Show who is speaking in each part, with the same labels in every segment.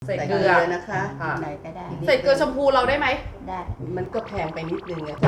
Speaker 1: ใส่เกลือนะคะ
Speaker 2: ไหนก็ได้
Speaker 1: ใส่เกลือชมพูเราได้ไหม
Speaker 2: ได้
Speaker 1: มันก็แพงไปนิดนึงอะ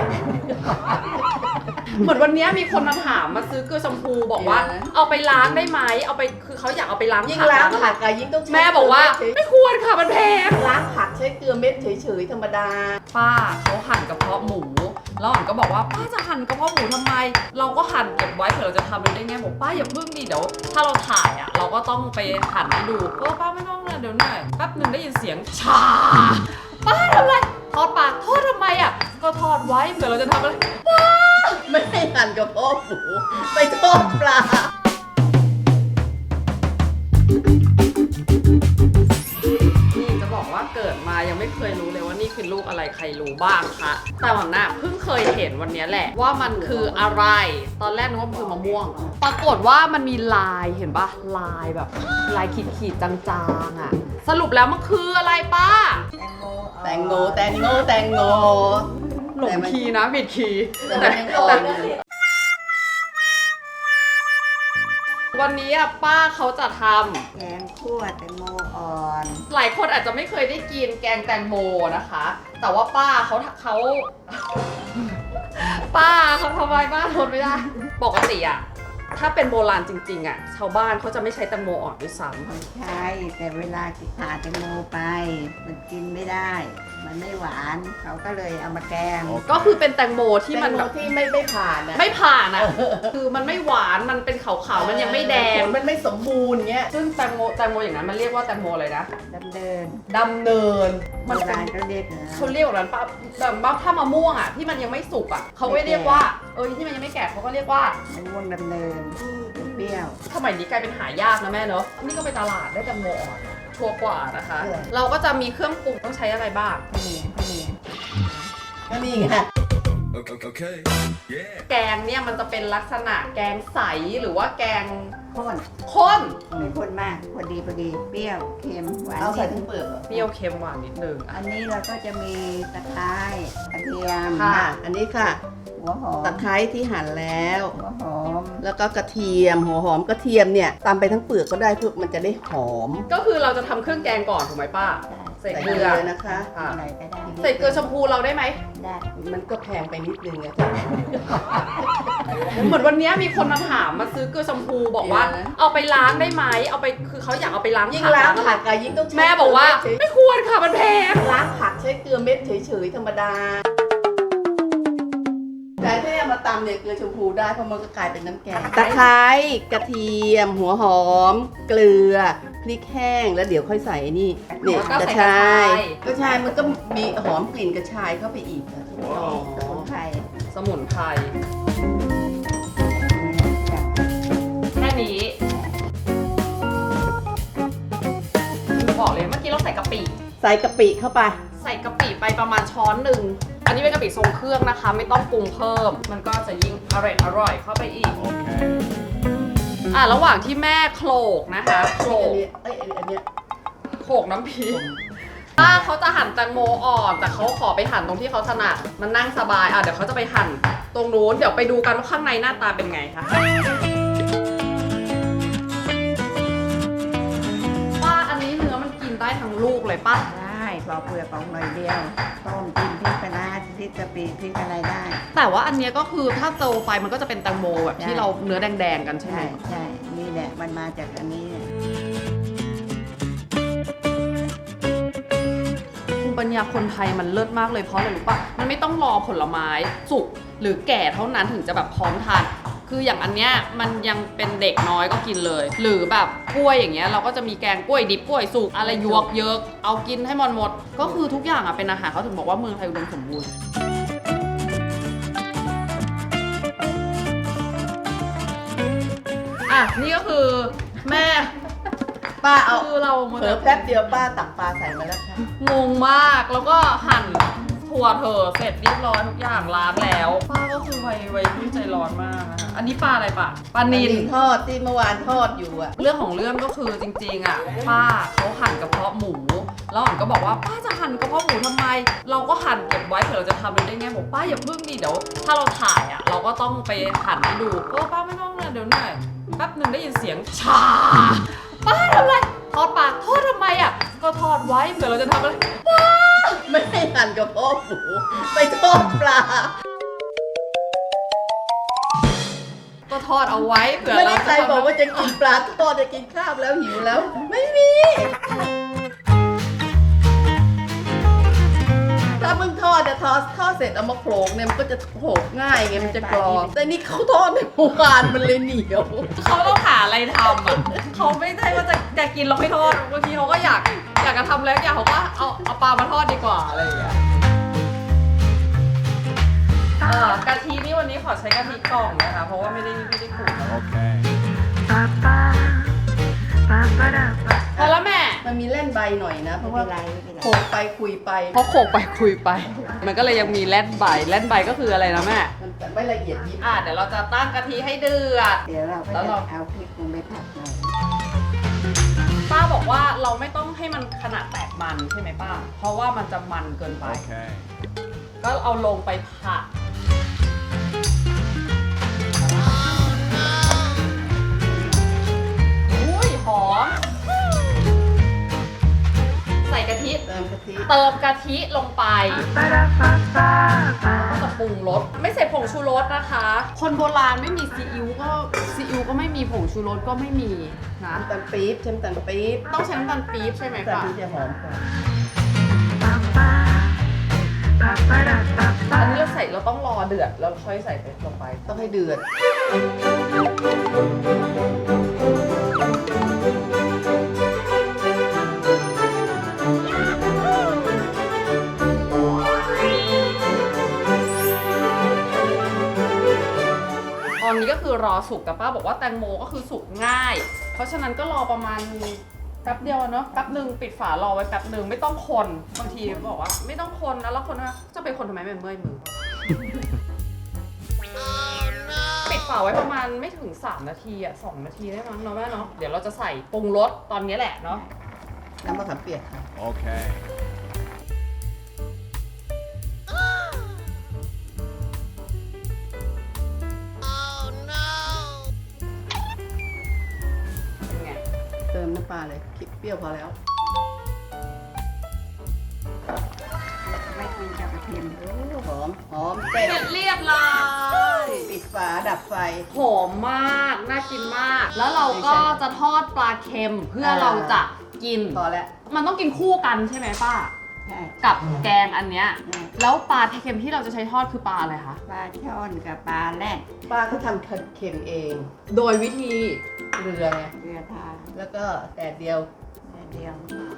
Speaker 1: เหมือนวันนี้มีคนมาถามมาซื้อเกลือชมพูบอกว่าเอาไปล้างได้ไหมเอาไปคือเขาอยากเอาไปล้าง
Speaker 3: ยิ่งล้างผักอะยิ่งต้อง
Speaker 1: แม่บอกว่าไม่ควรค่ะมันแพง
Speaker 3: ล้างผักใช้เกลือเม็ดเฉยๆธรรมดา
Speaker 1: ป้าเขาหั่นกระเพาะหมูแล้วอ่อนก็บอกว่าป้าจะหั่นกระเพาะหมูทำไมเราก็หั่นเก็บไว้เผื่อเราจะทำได้ไงบอกป้าอย่าเพิ่งดิเดี๋ยวถ้าเราถ่ายอะเราก็ต้องไปหั่นให้ดูป้าไม่ต้องเลยเดี๋ยวหน่อยแป๊บนึงได้ยินเสียงชาป้าทำอะไรทอดปลาทอดทำไมอ่ะก็ทอดไว้เผื่อเราจะทำอะไรป้า
Speaker 3: ไม่ให้หั่นกระเพาะหมูไปทอดปลา
Speaker 1: นี่จะบอกว่าเกิดมายังไม่เคยรู้เลยว่านี่คือลูกอะไรใครรู้บ้างคะแต่หวังน่ะเพิ่งเคยเห็นวันนี้แหละว่ามันคืออะไรตอนแรกนึกว่ามันคือมะม่วงปรากฏว่ามันมีลายเห็นปะลายแบบลายขีดๆจางๆอ่ะสรุปแล้วมันคืออะไรป้า
Speaker 3: แตงโมแตงโมแตงโม
Speaker 1: หลงคีย์นะผิดคีย์
Speaker 3: แต่มันยังอ่อนอยู่
Speaker 1: วันนี้อ่ะป้าเขาจะทำ
Speaker 2: แกงคั่วแตงโมอ่อน
Speaker 1: หลายคนอาจจะไม่เคยได้กินแกงแตงโมนะคะ แต่ว่าป้าเขาป้าเขาทำไมป้าทนไม่ได้ปกติอ่ะถ้าเป็นโบราณจริงๆอ่ะชาวบ้านเขาจะไม่ใช้แตงโมอ่อนด้วยซ้ำ
Speaker 2: ไม่ใช่แต่เวลาผ่าแตงโมไปมันกินไม่ได้ มันไม่หวานเขาก็เลยเอามาแกง
Speaker 1: ก็คือเป็นแตงโมที่มันแบบ
Speaker 3: ที่ไม่ผ่านอะ
Speaker 1: ไม่ผ่านอ่ะคือมันไม่หวานมันเป็นขาวๆมันยังไม่แดง
Speaker 3: มันไม่สมบูรณ์เงี้ย
Speaker 1: ซึ่งแตงโมอย่างนั้นมันเรียกว่าแตงโมอะไรนะ
Speaker 2: ดำเนิน
Speaker 1: มันเป็น
Speaker 2: เขาเรียก
Speaker 1: เขาเรียกแบบนั้นป้าแบบถ้ามะม่วงอ่ะที่มันยังไม่สุกอ่ะเขาไม่เรียกว่าที่มันยังไม่แก่เขาก็เรียกว่าม
Speaker 2: ะม่วงดำเนินเปรี้ยว
Speaker 1: สมัยนี้กลายเป็นหายากนะแม่เนอะนี่ก็ไปตลาดได้แตงโมอ่อนชัวร์กว่านะคะเราก็จะมีเครื่องปรุงต้องใช้อะไรบ้าง
Speaker 3: ก็นี่ไง
Speaker 1: แกงเนี่ยมันจะเป็นลักษณะแกงใสหรือว่าแกง
Speaker 2: ข้นไม่ข้นมากพอดีเปรี้ยวเค็มหวาน
Speaker 3: เอาใส่ทั้งเปลือก
Speaker 1: เปรี้ยวเค็มหวานนิดนึง
Speaker 2: อันนี้เราก็จะมีตะไคร้กระเทียม
Speaker 3: ค่ะอันนี้ค่ะ
Speaker 2: หัวหอม
Speaker 3: ตะไคร้ที่หั่นแล้ว
Speaker 2: หัวหอม
Speaker 3: แล้วก็กระเทียมหัวหอมกระเทียมเนี่ยตำไปทั้งเปลือกก็ได้เพื่อมันจะได้หอม
Speaker 1: ก็คือเราจะทำเครื่องแกงก่อนถูกไหมป้าใส่เกลือ
Speaker 3: นะคะ
Speaker 2: อะไรก็ได้
Speaker 1: ใส่เกลือชมพูเราได้ไหม
Speaker 2: ได้
Speaker 3: มันก็แพงไปนิดนึงอะ
Speaker 1: เหมือนวันนี้มีคนมาถามมาซื้อเกลือชมพูบอกว่าเอาไปล้างได้ไหมเอาไปคือเขาอยากเอาไปล้าง
Speaker 3: ยิ่งล้างผักอะยิ่งต้อง
Speaker 1: แม่บอกว่าไม่ควรค่ะมันแพง
Speaker 3: ล้างผักใช้เกลือเม็ดเฉยๆธรรมดาแต่ที่เอามาตำเนี่ยเกลือชมพูได้เพราะมันก็กลายเป็นน้ำแกงตะไคร้กระเทียมหัวหอมเกลือพริกแห้งแล้วเดี๋ยวค่อยใส่นี่เนี่ยกระชายมันก็มีหอมกลิ่นกระชายเข้าไปอีก
Speaker 1: สมุนไพรแค่นี้บอกเลยเมื่อกี้เราใส่กะปิ
Speaker 3: เข้าไป
Speaker 1: ใส่กะปิไปประมาณช้อนหนึ่งอันนี้เป็นกะปิทรงเครื่องนะคะไม่ต้องปรุงเพิ่มมันก็จะยิ่งอร่อยเข้าไปอีกระหว่างที่แม่โขลกนะคะโขลกน้ำพริกป้าเขาจะหั่นแตงโมอ่อนแต่เขาขอไปหั่นตรงที่เขาถนัดมันนั่งสบายเดี๋ยวเขาจะไปหั่นตรงนู้นเดี๋ยวไปดูกันว่าข้างในหน้าตาเป็นไงคะป้าอันนี้เนื้อมันกินได้ทั้งลูกเลยป้า
Speaker 2: ได้ปอกเปลือกออกหน่อยเดียวต้มกินพริกปลาพริกกะปิพริกอะไรได้
Speaker 1: แต่ว่าอันนี้ก็คือถ้าเตาไฟมันก็จะเป็นแตงโมแบบที่เราเนื้อแดงๆกันใช่ไหม
Speaker 2: ใช่นี่แหละมันมาจากอันนี้
Speaker 1: ภูมิปัญญาคนไทยมันเลิศมากเลยเพราะอะไรรู้ป่ะมันไม่ต้องรอผลไม้สุกหรือแก่เท่านั้นถึงจะแบบพร้อมทานคืออย่างอันเนี้ยมันยังเป็นเด็กน้อยก็กินเลยหรือแบบกล้วยอย่างเงี้ยเราก็จะมีแกงกล้วยดิบกล้วยสุกอะไรยวกเยอะเอากินให้หมดก็คือทุกอย่างเป็นอาหารเขาถึงบอกว่าเมืองไทยอุดมสมบูรณ์นี่ก็คือแม่
Speaker 3: ป้าเอา
Speaker 1: เรา
Speaker 3: เผลอแป๊บเดียวป้าตักปลาใส่มาแล้วค่ะ
Speaker 1: งงมากแล้วก็หั่นถั่วเธอเสร็จเรียบร้อยทุกอย่างล้างแล้วป้าก็คือไวรุ่นใจร้อนมากนะคะอันนี้ปลาอะไรปะปลานิล
Speaker 3: ทอดที่เมื่อวานทอดอยู่อะ
Speaker 1: เรื่องของเรื่องก็คือจริงๆป้าเขาหั่นกระเพาะหมูแล้วอ่อนก็บอกว่าป้าจะหั่นกระเพาะหมูทำไมเราก็หั่นเก็บไว้เผื่อเราจะทำได้ไงบอกป้าอย่าเพิ่งดิเดี๋ยวถ้าเราถ่ายเราก็ต้องไปหั่นให้ดูป้าไม่ต้องเลยเดี๋ยวหน่อยแป๊บนึงได้ยินเสียงชาป้าทำอะไรททอดปลาทอดทำไมอ่ะก็ทอดไว้เผื่อเราจะทำอะไร
Speaker 3: ไม่ให้หั่นกับพ่อหมูไปทอดปลา
Speaker 1: ก็ทอดเอาไว้เผื่อ
Speaker 3: ไม่
Speaker 1: เรา
Speaker 3: ได้ใครบอกว่าจะกินปลาทอดจะกินข้าวแล้วหิวแล้ว ไม่มี ถ้ามึงทอดจะทอดเสร็จเอามาโขลกเนี่ยมันก็จะโขลกง่ายไงมันจะกรอบแต่นี่เขาทอดในโบราณมันเลยเหนียว
Speaker 1: เขาต้องหาอะไรทำอ่ะเขาไม่ใช่ว่าจะกินเราไม่ทอดบางทีเขาก็อยากจะทำแล้วเขาก็เอาปลามาทอดดีกว่าอะไรอย่างเงี้ยกะทินี่วันนี้ขอใช้กะทิกล่องนะคะเพราะว่าไม่ได้ขูด
Speaker 4: Okay.
Speaker 1: พอแล้วแม่
Speaker 3: มันมีเล่นใบหน่อยนะ เพ
Speaker 2: ไม่
Speaker 3: ราะ
Speaker 2: เป็
Speaker 3: ว่าน
Speaker 2: ไรไม่เป็นไร
Speaker 3: โขลกไปคุยไป
Speaker 1: เพราะโขกไปคุยไป มันก็เลยยังมีแล่นใบก็คืออะไรนะแม่
Speaker 3: มันไม่ละเอียดยิบ
Speaker 1: เดี๋ยวเราจะตั้งกะทิให้เดือด
Speaker 2: เดี๋ยวเราก็
Speaker 1: แล้ว
Speaker 2: จะ
Speaker 1: เรา
Speaker 2: เอาพริกลงไปผัดหน่อย
Speaker 1: ป้าบอกว่าเราไม่ต้องให้มันขนาดแตกมันใช่ไหมป้า เพราะว่ามันจะมันเกินไป
Speaker 4: Okay.
Speaker 1: ก็เอาลงไปผัดอุ้ยหอม ใส่กะทิ
Speaker 3: เติมกะทิ
Speaker 1: เติมกะทิลงไปก็จะปรุงรสไม่ใส่ผงชูรสนะคะ คนโบราณไม่มีซีอิ๊วก็ไม่มีผงชูรสก็ไม่มีนะ
Speaker 3: น้ำตาลปี๊บใช้น้ำตาลปี๊บ
Speaker 1: ต้องใช้น้ำตาลปี๊บใช่ไหม
Speaker 3: น้ำตาล
Speaker 1: คะ
Speaker 3: ปี๊บจะหอมกว่า
Speaker 1: อันนี้เราต้องรอเดือดแล้วค่อยใส่ไปลงไป
Speaker 3: ต้องให้เดือด
Speaker 1: ตอนนี้ก็คือรอสุกแต่ป้าบอกว่าแตงโมก็คือสุกง่าย เพราะฉะนั้นก็รอประมาณแป๊บเดียวเนาะแป๊บหนึ่งปิดฝารอไว้แป๊บหนึ่งไม่ต้องคนบางทีบอกว่าไม่ต้องคนแล้วคนว่าจะไปคนทำไมมันเมื่อยมือ ปิดฝาไว้ประมาณไม่ถึง3 นาที2 นาทีได้มั้งเนาะแม่เนาะเดี๋ยวเราจะใส่ปรุงรสตอนนี้แหละเนาะ
Speaker 3: น้ำมะขามเปียกค่ะ
Speaker 4: Okay.
Speaker 1: เป็นไง
Speaker 3: เติมน้ำปลาเลยคิดเปรี้ยวพอแล้ว
Speaker 2: ไม่กินกับกระเทียม
Speaker 3: โอ้หอมหอมเสร็จ
Speaker 1: เสร็จเรียบร้อย
Speaker 3: ปิดฝาดับไฟ
Speaker 1: หอมมากน่ากินมาก แล้วเราก็จะทอดปลาเค็มเพื่อเราจะกิน
Speaker 3: พอแล้ว
Speaker 1: มันต้องกินคู่กันใช่ไหมป้า
Speaker 2: ใช่
Speaker 1: กับแกงอันเนี้ยแล้วปลาเค็มที่เราจะใช้ทอดคือปลาอะไรคะ
Speaker 2: ปลาช่อนกับปลาแรด
Speaker 3: ป้าก็ทำเค็มเอง
Speaker 1: โดยวิธี
Speaker 3: เกลือไง
Speaker 2: เกลือทา
Speaker 3: แล้วก็แดดเดียว
Speaker 2: เดียว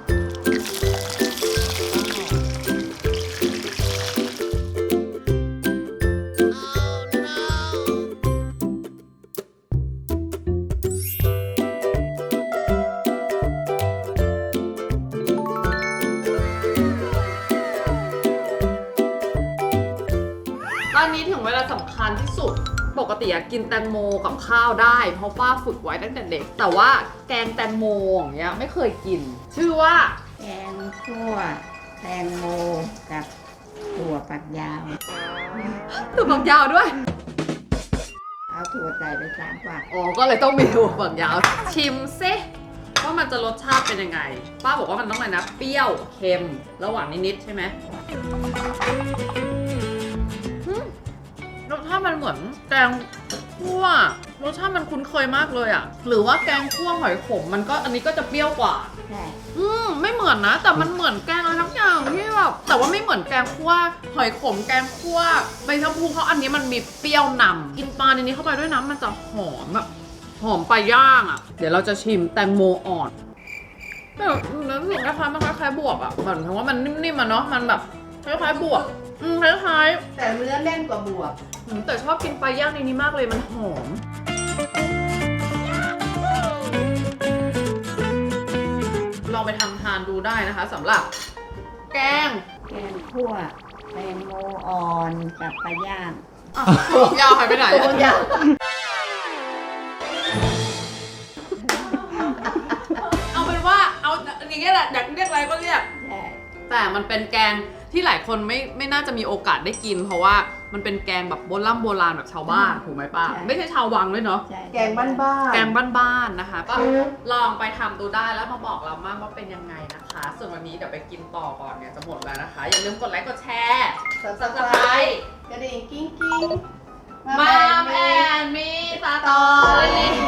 Speaker 1: ตอนนี้ถึงเวลาสำคัญที่สุด ปกติกินแตงโมกับข้าวได้ เพราะป้าฝึกไว้ตั้งแต่เด็ก แต่ว่าแกงแตงโมอย่างเงี้ยไม่เคยกิน ชื่อว่า
Speaker 2: แกงคั่วแตงโมกับถั่วฝักยาว
Speaker 1: ถั่วฝักยาวด้วย
Speaker 2: เอาถั่วใส่ไป3 ฝัก
Speaker 1: อ๋อ ก็เลยต้องมีถั่วฝักยาว ชิมซิว่ามันจะรสชาติเป็นยังไง ป้าบอกว่ามันต้องอะไรนะ เปรี้ยว เค็ม ระหว่างนิดๆใช่ไหมอืมรสชาติมันเหมือนแกงคั่ว รสชาติมันคุ้นเคยมากเลยอะหรือว่าแกงคั่วหอยขมมันก็อันนี้ก็จะเปรี้ยวกว่า
Speaker 2: ใช่
Speaker 1: ไม่เหมือนนะ แต่มันเหมือนแกงอะไรทั้งอย่างที่แบบแต่ว่าไม่เหมือนแกงคั่วหอยขมแกงคั่วใบชะพูเพราะอันนี้มันมีเปรี้ยวนำกินปลาในนี้เข้าไปด้วยน้ำมันจะหอมแบบหอมปลาย่างอ่ะ เดี๋ยวเราจะชิมแตงโมอ่อนแต่แล้วรู้สึกคล้ายๆมันคล้ายๆบวบอ่ะเหมือนเพราะว่ามันนิ่มๆอ่ะเนาะมันแบบคล้ายๆบวบคล้าย
Speaker 3: แต่เนื้อแน่นกว่าบวบ
Speaker 1: ๆแต่ชอบกินปลาย่างในนี้มากเลยมันหอมลองไปทำทานดูได้นะคะสำหรับแกง
Speaker 2: แกงคั่วแตงโมอ่อนกับปลาย่าง
Speaker 1: อ่ะถั่วฝักยาวหายไปไหน
Speaker 3: ตัวอย่าง
Speaker 1: เอาเป็นว่าเอาอย่างเงี้ยแหละอยากเรียกอะไรก็เรียก
Speaker 2: ใช่
Speaker 1: แตแต่มันเป็นแกงที่หลายคนไม่น่าจะมีโอกาสได้กิน เพราะว่ามันเป็นแกงแบบโบราณแบบชาวบ้านถูกไหมป้าไม่ใช่ชาววังด้วยเนาะ
Speaker 2: ใช่
Speaker 3: แกงบ้านๆ
Speaker 1: แกงบ้านๆนะคะก็ลองไปทำดูได้แล้วมาบอกเรามากว่าเป็นยังไงนะคะ ส่วนวันนี้เดี๋ยวไปกินต่อก่อนเนี่ยจะหมดแล้วนะคะ อย่าลืมกดไลค์กดแชร์
Speaker 3: Subscribe กระดิ่งกิ้งกิ้ง
Speaker 1: มามแอนมีตาตอรี่